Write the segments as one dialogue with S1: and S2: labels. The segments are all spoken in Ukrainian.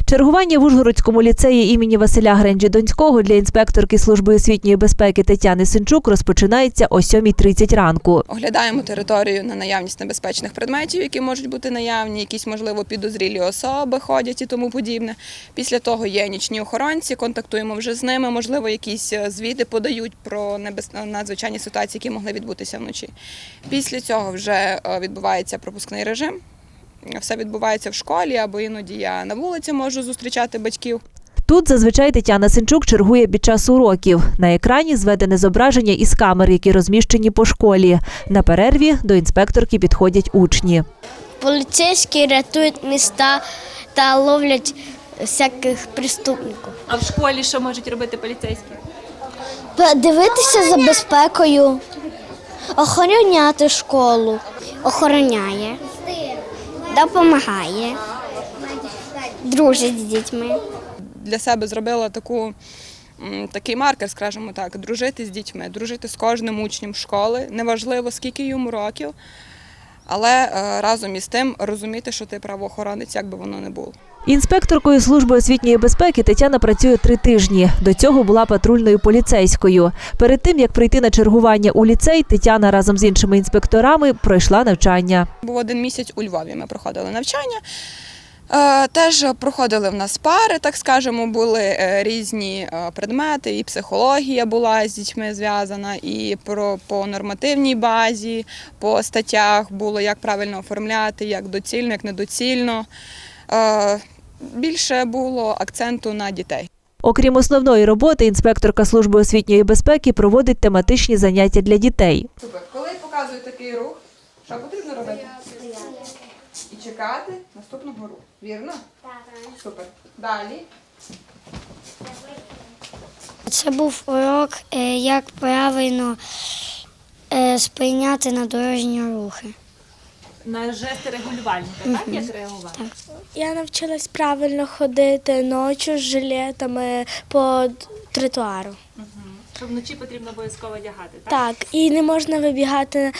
S1: Чергування в Ужгородському ліцеї імені Василя Гренджі-Донського для інспекторки Служби освітньої безпеки Тетяни Синчук розпочинається о 7:30 ранку.
S2: Оглядаємо територію на наявність небезпечних предметів, які можуть бути наявні, якісь, можливо, підозрілі особи ходять і тому подібне. Після того є нічні охоронці, контактуємо вже з ними, можливо, якісь звіти подають про надзвичайні ситуації, які могли відбутися вночі. Після цього вже відбувається пропускний режим. Все відбувається в школі, або іноді я на вулиці можу зустрічати батьків.
S1: Тут зазвичай Тетяна Синчук чергує під час уроків. На екрані зведене зображення із камер, які розміщені по школі. На перерві до інспекторки підходять учні.
S3: Поліцейські рятують міста та ловлять всяких преступників.
S4: А в школі що можуть робити поліцейські?
S3: Дивитися за безпекою, охороняти школу. Охороняє, допомагає, дружить з дітьми.
S2: Для себе зробила такий маркер, скажімо так, дружити з дітьми, дружити з кожним учнем школи, неважливо скільки йому років, але разом із тим розуміти, що ти правоохоронець, як би воно не було.
S1: Інспекторкою Служби освітньої безпеки Тетяна працює 3 тижні. До цього була патрульною поліцейською. Перед тим, як прийти на чергування у ліцей, Тетяна разом з іншими інспекторами пройшла навчання.
S2: Був 1 місяць у Львові, ми проходили навчання. Теж проходили в нас пари, так скажемо, були різні предмети, і психологія була з дітьми зв'язана, і по нормативній базі, по статтях було, як правильно оформляти, як доцільно, як недоцільно. Більше було акценту на дітей.
S1: Окрім основної роботи, інспекторка Служби освітньої безпеки проводить тематичні заняття для дітей.
S2: Супер. Коли показую такий рух, що потрібно робити? І чекати наступного руху. Вірно? Так. Супер. Далі.
S3: Це був урок, як правильно сприйняти на дорожні рухи.
S4: На жести регулювальника, так? Як реагувати?
S5: Я навчилась правильно ходити ночі з жилетами по тротуару.
S4: Що вночі потрібно обов'язково одягати, так?
S5: Так, і не можна вибігати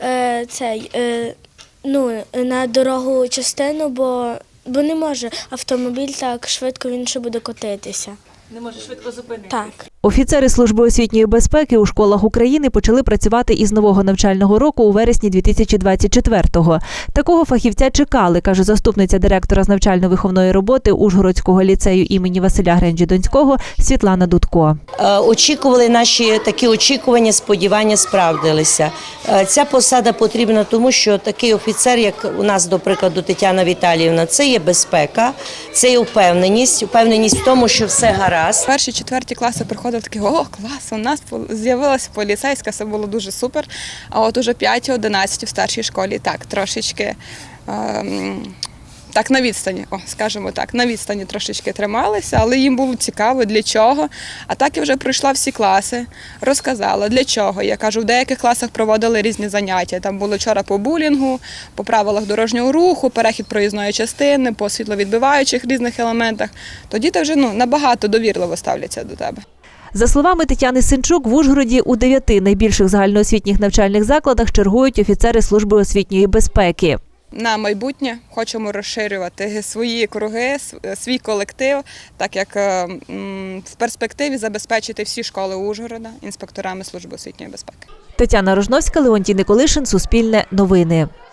S5: на дорогу частину, бо не може автомобіль так швидко, він ще буде котитися.
S4: Не може швидко зупинитися.
S5: Так.
S1: Офіцери Служби освітньої безпеки у школах України почали працювати із нового навчального року у вересні 2024-го. Такого фахівця чекали, каже заступниця директора з навчально-виховної роботи Ужгородського ліцею імені Василя Гренджі-Донського Світлана Дудко.
S6: Очікували наші такі очікування, сподівання справдилися. Ця посада потрібна тому, що такий офіцер, як у нас, до прикладу, Тетяна Віталіївна, це є безпека, це є впевненість в тому, що все гаразд.
S2: Перші, 4 класи приходили такі, о, клас, у нас з'явилася поліцейська, це було дуже супер. А от уже 5-11 в старшій школі, так, трошечки, так на відстані, скажімо так, на відстані трошечки трималися, але їм було цікаво, для чого. А так я вже пройшла всі класи, розказала, для чого. Я кажу, в деяких класах проводили різні заняття. Там було вчора по булінгу, по правилах дорожнього руху, перехід проїзної частини, по світловідбиваючих різних елементах. То діти вже набагато довірливо ставляться до тебе.
S1: За словами Тетяни Синчук, в Ужгороді у 9 найбільших загальноосвітніх навчальних закладах чергують офіцери Служби освітньої безпеки.
S2: На майбутнє хочемо розширювати свої круги, свій колектив, так як в перспективі забезпечити всі школи Ужгорода інспекторами Служби освітньої безпеки.
S1: Тетяна Рожновська, Леонтій Николишин, Суспільне новини.